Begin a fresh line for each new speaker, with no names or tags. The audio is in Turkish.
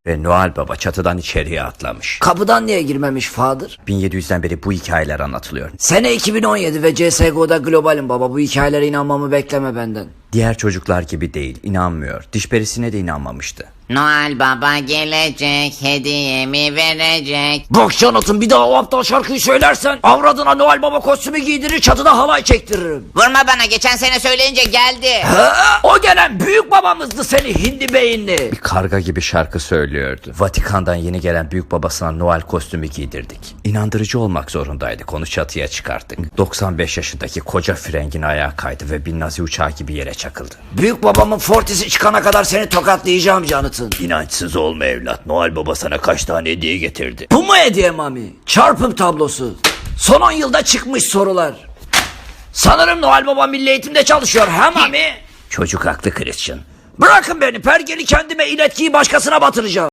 Ve Noel Baba çatıdan içeriye atlamış.
Kapıdan niye girmemiş Fadır?
1700'den beri bu hikayeler anlatılıyor.
Sene 2017 ve CSGO'da globalim baba. Bu hikayelere inanmamı bekleme benden.
Diğer çocuklar gibi değil, inanmıyor. Diş perisine de inanmamıştı.
Noel Baba gelecek, hediyemi verecek.
Bak Jonathan, bir daha o aptal şarkıyı söylersen avradına Noel Baba kostümü giydirir, çatıda halay çektiririm.
Vurma bana, geçen sene söyleyince geldi.
O gelen büyük babamızdı seni hindi beyinli.
Bir karga gibi şarkı söylüyordu. Vatikan'dan yeni gelen büyük babasına Noel kostümü giydirdik. İnandırıcı olmak zorundaydık, onu çatıya çıkarttık. 95 yaşındaki koca frengin ayağa kaydı ve bir Nazi uçağı gibi yere çakıldı.
Büyük babamın fortisi çıkana kadar seni tokatlayacağım Jonathan.
İnançsız olma evlat, Noel Baba sana kaç tane hediye getirdi.
Bu mu hediye mami? Çarpım tablosu. Son 10 yılda çıkmış sorular. Sanırım Noel Baba Milli Eğitim'de çalışıyor ha mami?
Çocuk haklı Christian.
Bırakın beni, pergeli kendime iletkiyi başkasına batıracağım.